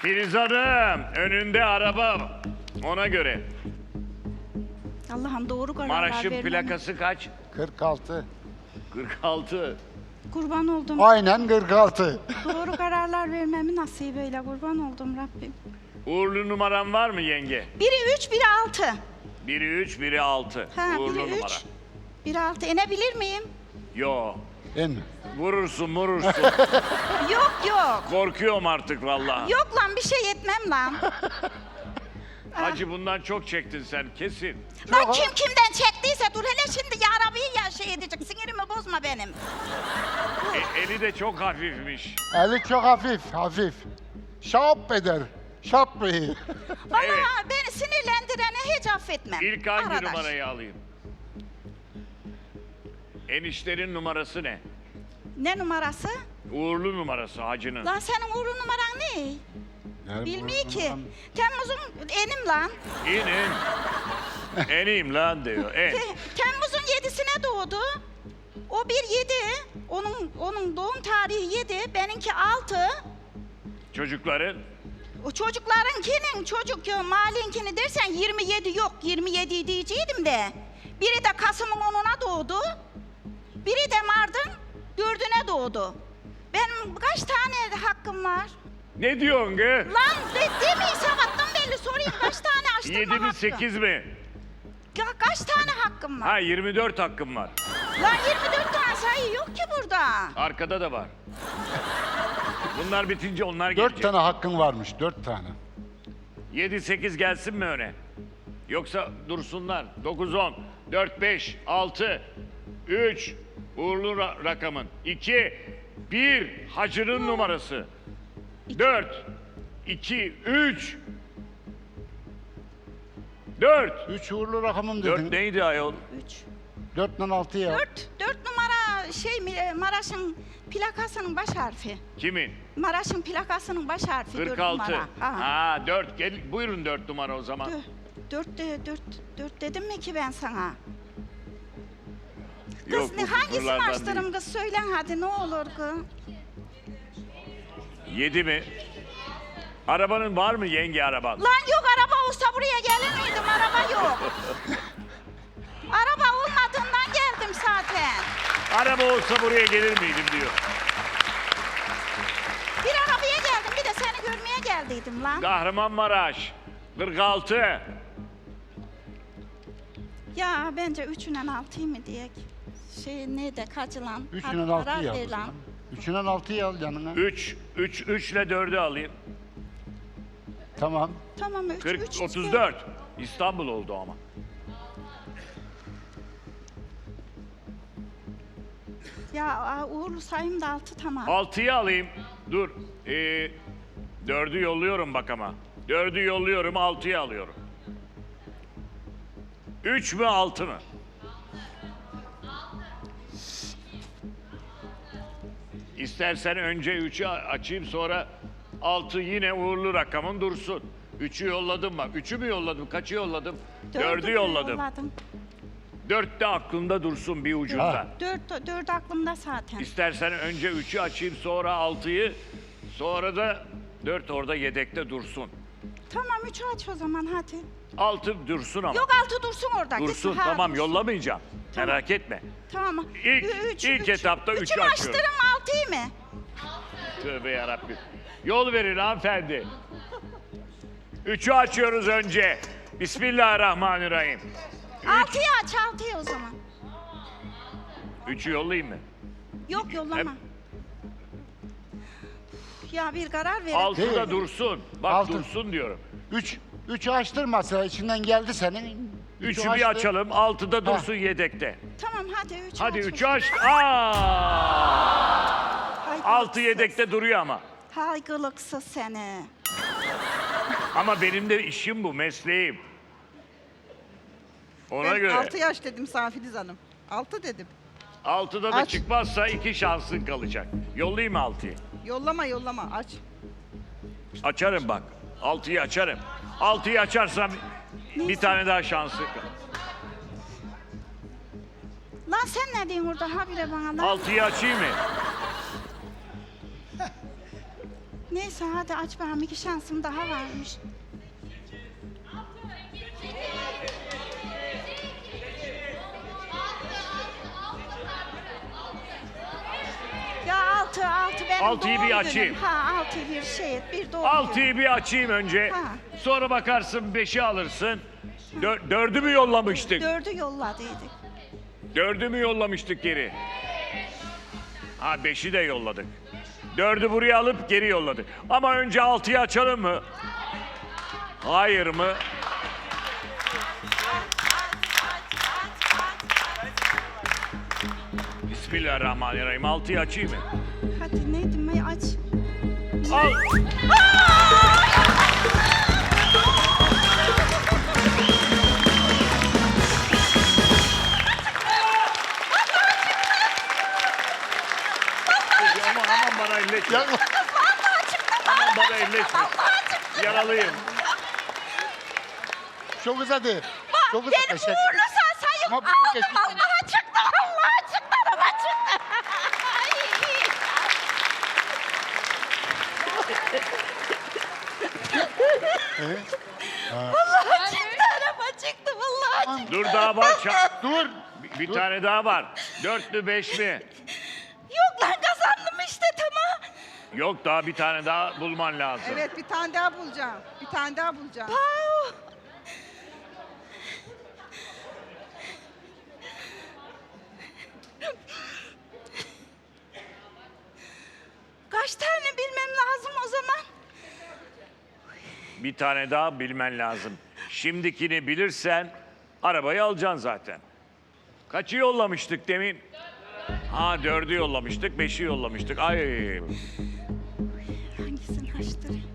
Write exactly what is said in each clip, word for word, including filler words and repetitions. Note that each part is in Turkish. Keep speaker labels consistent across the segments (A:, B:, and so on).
A: Filiz Hanım, önünde araba. Ona göre.
B: Allah'ım doğru kararlar
A: Maraş'ın
B: vermem.
A: plakası kaç?
C: kırk altı.
A: kırk altı.
B: Kurban oldum.
C: Aynen kırk altı.
B: Doğru kararlar vermemi nasip eyle. Kurban oldum Rabbim.
A: Uğurlu numaran var mı yenge?
B: Biri üç, biri altı.
A: Biri üç, biri altı.
B: Ha,
A: Uğurlu
B: biri
A: numara.
B: üç, biri altı. İnebilir miyim?
A: Yo.
C: En.
A: Vurursun, vurursun.
B: Yok yok.
A: Korkuyorum artık vallahi.
B: Yok lan bir şey etmem lan.
A: Hacı bundan çok çektin sen kesin.
B: Lan kim kimden çektiyse dur hele şimdi ya Rabbi'yi ya şey edecek. Sinirimi bozma benim.
A: E, eli de çok hafifmiş.
C: Eli çok hafif, hafif. Şap eder. Şap bey.
B: Vallahi
A: Evet.
B: beni sinirlendireni hiç affetmem.
A: İlk hangi
B: Arkadaş.
A: numarayı alayım? Enişlerin numarası ne?
B: Ne numarası?
A: Uğurlu numarası hacının.
B: Lan senin uğurlu numaran ne? Bilmiyor ki. Temmuz'un enim lan.
A: İn in. Eneyim lan diyor. En.
B: Te- Temmuz'un yedisine doğdu. O bir yedi. Onun onun doğum tarihi yedi. Benimki altı.
A: Çocukların
B: O çocuklarınkinin çocuk ya malinkini dersen yirmi yedi yok. yirmi yedi diyeceydim de. Biri de Kasım'ın onuna doğdu. Biri de Mart'ın dördüne doğdu. Benim kaç tane hakkım var?
A: ne diyorsun ki?
B: Lan de, demeyi sabahtan belli sorayım kaç tane açtırma
A: Yedi mi
B: hakkım?
A: sekiz mi?
B: Ya kaç tane hakkım var?
A: Ha yirmi dört hakkım var.
B: Lan yirmi dört tane sayı yok ki burada.
A: Arkada da var. Bunlar bitince onlar
C: Dört
A: gelecek.
C: tane hakkın varmış, dört tane.
A: Yedi sekiz gelsin mi öne? Yoksa dursunlar. Dokuz on. Dört beş. Altı. Üç. Uğurlu ra- rakamın. İki. Bir. Hacının numarası. Dört. İki. Üç. Dört.
C: Üç uğurlu rakamım
A: Dört
C: dedin.
A: neydi ayol?
B: Üç.
C: Dörtten altı ya.
B: Dört, dört numara şey mi, e, Maraş'ın plakasının baş harfi.
A: Kimin?
B: Maraş'ın plakasının baş harfi dört
A: kırk altı.
B: numara. Ha.
A: Ha dört. Gel, buyurun dört numara o zaman.
B: Dö- Dört, de, dört, dört dedim mi ki ben sana? Kız
A: bu
B: ne hangisini
A: kusurlardan
B: açtırım
A: değil.
B: kız söylen hadi ne olur kız.
A: Yedi mi? Arabanın var mı yenge araban?
B: Lan yok araba olsa buraya gelir miydim araba yok. Araba olmadığından geldim zaten.
A: Araba olsa buraya gelir miydim diyor.
B: Bir arabaya geldim bir de seni görmeye geldiydim lan.
A: Kahramanmaraş. kırk altı.
B: Ya bence üçünden altıyı mı diyek? Şey neydi kaç lan?
C: Üçünden
B: Hadi
C: altı
B: karar
C: ya.
B: ver lan.
C: Üçünden altıyı al yanına.
A: üç. üç. üç ile dördü alayım.
C: Tamam.
B: Tamam üç,
A: kırk.
B: üç.
A: otuz dört. İstanbul oldu ama.
B: Ya aa, uğurlu sayım da altı tamam.
A: altıyı alayım. Dur. Ee, dördü yolluyorum bak ama. dördü yolluyorum, altıyı alıyorum. üç mü altı mı? İstersen önce üçü açayım sonra altı yine uğurlu rakamın dursun. üçü yolladım bak. üçü mü yolladım? Kaçı yolladım?
B: Dördü
A: dördü
B: de
A: yolladım.
B: yolladım.
A: dört de aklımda dursun bir ucunda.
C: Ha.
B: Dört, dört aklımda zaten.
A: İstersen önce üçü açayım sonra altıyı sonra da dört orada yedekte dursun.
B: Tamam üçü aç o zaman hadi.
A: altı dursun ama.
B: Yok altı dursun orada.
A: dursun
B: gitsin, ha,
A: tamam
B: dursun.
A: yollamayacağım.
B: Tamam.
A: Merak etme.
B: Tamam.
A: İlk-
B: Ü-
A: ilk etapta
B: üçü
A: üçü
B: mü
A: açıyorum.
B: açtırım altıyı mı?
A: Tövbe yarabbim. Yol verin hanımefendi. Üçü açıyoruz önce. Bismillahirrahmanirrahim.
B: Altıyı aç altıyı o zaman.
A: Üçü yollayayım mı?
B: Yok yollama.
A: Hep-
B: Ya bir karar verin.
A: Altı da
C: Değil.
A: dursun. Bak
C: Altı.
A: dursun diyorum.
C: Üç. Üçü açtırmasa içinden geldi senin.
A: Üçü
C: açtı.
A: bir açalım. Altıda dursun yedekte.
B: Tamam hadi üçü
A: Hadi
B: aç.
A: üçü aç. Aa!
B: Hay
A: Altı
B: gılıksız.
A: yedekte duruyor ama.
B: Hay gılıksız seni.
A: Ama benim de işim bu, mesleğim. Ona
D: Ben
A: göre.
D: altı yaş dedim sana Filiz Hanım. Altı dedim.
A: Altıda da
D: Aç.
A: çıkmazsa iki şansın kalacak. Yollayayım mı altıyı?
D: Yollama yollama aç.
A: Açarım bak. Altıyı açarım. Altıyı açarsam bir tane daha şansı kalır.
B: Lan sen ne diyorsun orada habire bana lan?
A: Altıyı açayım mı?
B: Neyse hadi aç bakalım, iki şansım daha varmış. Ya altı, altı benim
A: Altıyı
B: doğum
A: bir
B: günüm.
A: açayım.
B: Ha altı bir şey, bir doğum günü.
A: Altıyı bir açayım önce.
B: Ha.
A: Sonra bakarsın beşi alırsın. Dör, dördü mü yollamıştık?
B: Dördü yolladıydık.
A: Dördü mü yollamıştık geri? Ha beşi de yolladık. Dördü buraya alıp geri yolladık. Ama önce altıyı açalım mı? Hayır mı? Bismillahirrahmanirrahim. Altıyı açayım mı?
B: Hadi neydi may aç.
A: Al. Ama aman bana elleşme.
C: Ya,
A: Aman bana elleşme. Yaralıyım.
C: çok uzadı. Çok uzadı.
B: Benim
C: Teşekkür
B: uğurlu sayım
C: Ama
B: aldım.
C: bu geçti.
B: Allah'a çıktı, Allah'a çıktı, araba çıktı. Vallahi çıktı, araba çıktı, vallahi çıktı.
A: Dur daha var. Ça-
C: Dur.
A: bir, bir tane daha var. Dört mü beş mi?
B: Yok lan kazandım işte, tamam.
A: Yok daha bir tane daha bulman lazım.
D: Evet bir tane daha bulacağım. Bir tane daha bulacağım.
B: Pau. Kaç tane bilmem lazım o zaman?
A: Bir tane daha bilmen lazım. Şimdikini bilirsen arabayı alacaksın zaten. Kaçı yollamıştık demin? Ha dördü yollamıştık, beşi yollamıştık. Ay
B: Hangisini açtırayım?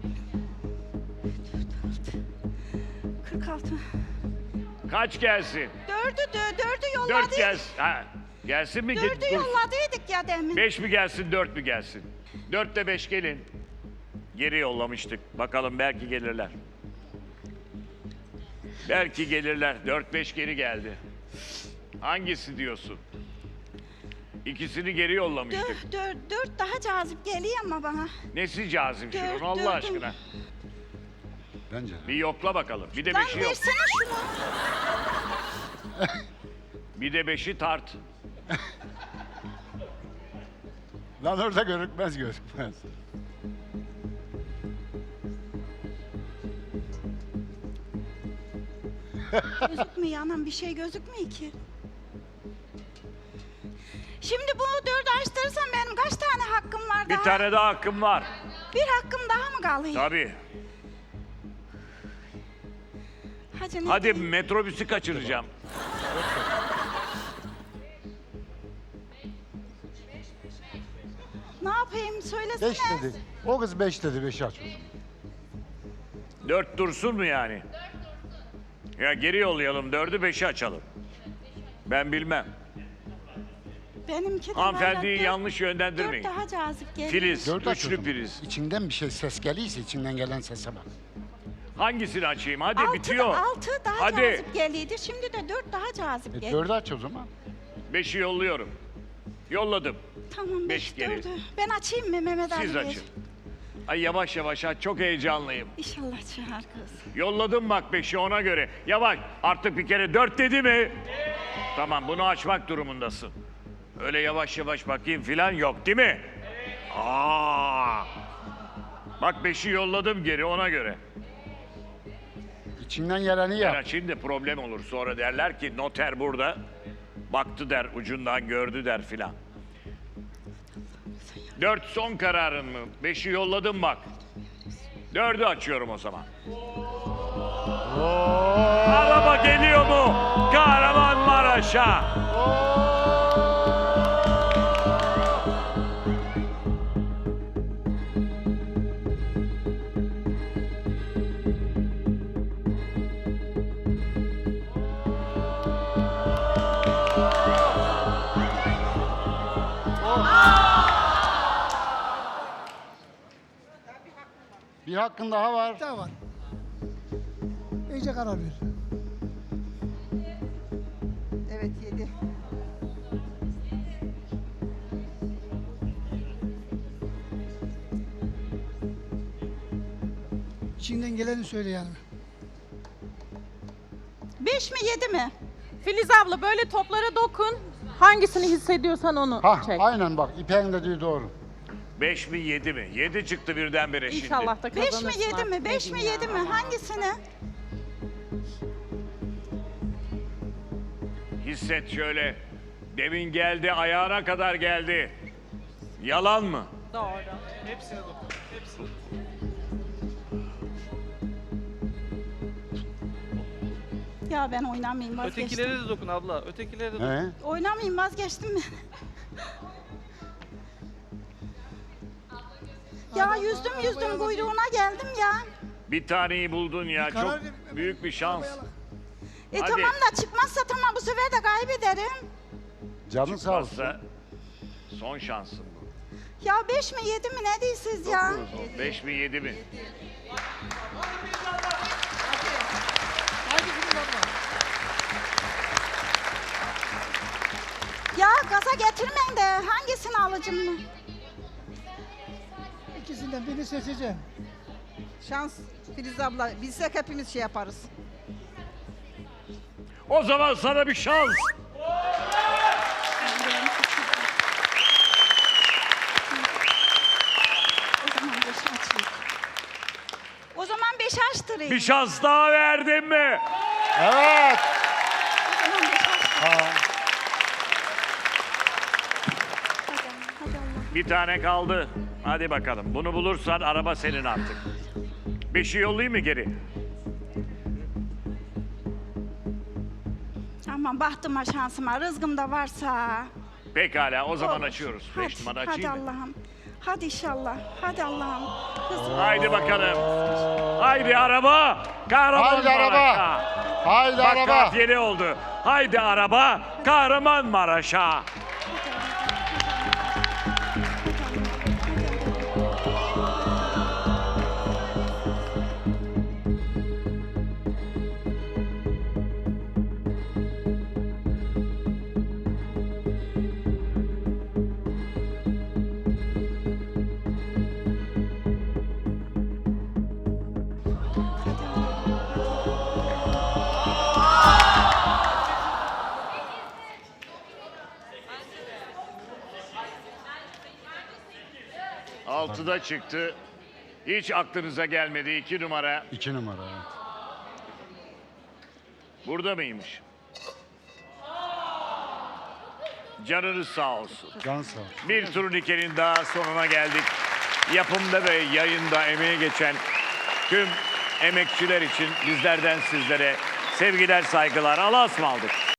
B: kırk altı.
A: kaç gelsin?
B: Dördü, dö, dördü yolladık.
A: Dört gelsin. Ha, gelsin mi?
B: Dördü
A: Dur.
B: yolladıydık ya demin.
A: Beş mi gelsin, dört mü gelsin? Dörtte beş gelin. Geri yollamıştık. Bakalım belki gelirler. Belki gelirler. Dört beş geri geldi. Hangisi diyorsun? İkisini geri yollamıştık.
B: Dört, dört, dört daha cazip geliyor ama bana.
A: Nesi cazip
B: Dört,
A: şunun Allah
B: dördüm.
A: aşkına?
C: Bence de.
A: Bir yokla bakalım. Bir de
B: Lan
A: beşi yok.
B: versene şunu.
A: Bir de beşi tart.
C: Lan orada görükmez gözükmez.
B: Gözükmüyor anam, bir şey gözükmüyor ki. Şimdi bu dördü açtırırsam benim kaç tane hakkım var
A: Bir
B: daha?
A: tane daha hakkım var.
B: Bir hakkım daha mı kalıyor?
A: Tabii.
B: Hadi, ne
A: Hadi
B: diyeyim?
A: metrobüsü kaçıracağım.
B: Ne yapayım söylesene.
C: Beş dedi. O kız beş dedi. Beşi aç o zaman.
A: Dört dursun mu yani? Ya geri yollayalım. Dördü beşi açalım. Ben bilmem.
B: Benimki de
A: Hanımefendiyi
B: böyle dört-
A: yanlış yönlendirmeyin.
B: Dört daha cazip geliyor.
A: Filiz,
C: Dört aç o
A: üçlü
C: zaman.
A: priz.
C: İçinden bir şey ses geliyse içinden gelen sese bak.
A: Hangisini açayım? Hadi
B: Altı,
A: bitiyor.
B: altı daha
A: Hadi.
B: cazip geliyordu. Şimdi de dört daha cazip
C: E,
B: geliyor.
C: dördü aç o zaman.
A: Beşi yolluyorum. Yolladım.
B: Tamam
A: beş
B: beş,
A: geri.
B: dördü. Ben açayım mı Mehmet Ali
A: Siz
B: Bey?
A: açın. Ay yavaş yavaş aç. Çok heyecanlıyım.
B: İnşallah çıkar kız.
A: Yolladım bak beşi ona göre. Yavaş. Artık bir kere dört dedi mi? Tamam bunu açmak durumundasın. Öyle yavaş yavaş bakayım filan yok değil mi? Aa. Bak beşi yolladım geri ona göre.
C: İçinden geleni
A: Ben
C: yap.
A: açayım da problem olur. Sonra derler ki noter burada. Baktı der, ucundan gördü der filan. Dört son kararın mı? Beşi yolladım bak. Dördü açıyorum o zaman. Araba geliyor mu? Kahramanmaraş'a.
C: Bir hakkın daha var.
E: daha var. İyice karar ver.
D: Evet yedi.
E: İçinden geleni söyle yani.
B: Beş mi yedi mi?
F: Filiz abla böyle toplara dokun. Hangisini hissediyorsan onu
C: Ha,
F: çek.
C: aynen bak İpek'in dediği doğru.
A: Beş mi yedi mi? Yedi çıktı birdenbire şimdi.
F: İnşallah da
B: Beş mi
F: kazanırsın
B: yedi
F: artık,
B: mi?
F: ne
B: Beş mi
F: diyeyim
B: yedi
F: ya.
B: mi? Hangisini?
A: Hisset şöyle. Demin geldi, ayağına kadar geldi. Yalan mı?
F: Doğru.
B: Ya ben oynamayayım vazgeçtim.
G: Ötekilere de dokun abla. Ötekilere de dokun.
C: He?
B: Oynamayayım vazgeçtim mi? Ya yüzdüm yüzdüm kuyruğuna geldim ya.
A: Bir taneyi buldun ya.
E: Bir karar
A: Çok
E: ver-
A: büyük bir şans.
B: E
A: Hadi.
B: tamam da çıkmazsa tamam bu sefer de kaybederim.
C: Canın sağ olsun.
A: Çıkmazsa son şansın bu.
B: Ya beş mi yedi mi ne diyorsunuz ya?
A: Beş mi yedi mi?
B: Ya gaza getirmeyin de hangisini alacağım mı?
E: İkisinden birini seçeceğim.
D: Şans Filiz abla. Bilsek hepimiz şey yaparız.
A: O zaman sana bir şans.
B: O zaman beş açayım. O zaman beş açtırayım.
A: Bir şans daha verdin mi?
C: Evet.
B: O zaman beş açtırayım.
C: Ha.
B: Hadi, hadi Allah.
A: Bir tane kaldı. Hadi bakalım. Bunu bulursan araba senin artık. Beşi yollayayım mı geri?
B: Aman bahtıma şansıma rızkım da varsa.
A: Pekala o zaman
B: Olur.
A: açıyoruz.
B: Hadi,
A: Beş numara
B: hadi
A: açayım mı?
B: Allah'ım. Hadi inşallah. Hadi Allah'ım. Kızım.
A: Haydi bakalım. Haydi araba. Kahraman
C: Haydi araba.
A: Maraş'a.
C: Haydi
A: Bak
C: araba.
A: kafiyeli oldu. Haydi araba. Kahraman Maraş'a. Altıda çıktı. Hiç aklınıza gelmedi. İki numara.
C: İki numara. Evet.
A: Burada mıymış? Canınız sağ olsun.
C: Can sağ olsun.
A: Bir turnikenin daha sonuna geldik. Yapımda ve yayında emeği geçen tüm emekçiler için bizlerden sizlere sevgiler, saygılar. Allah'a ısmarladık.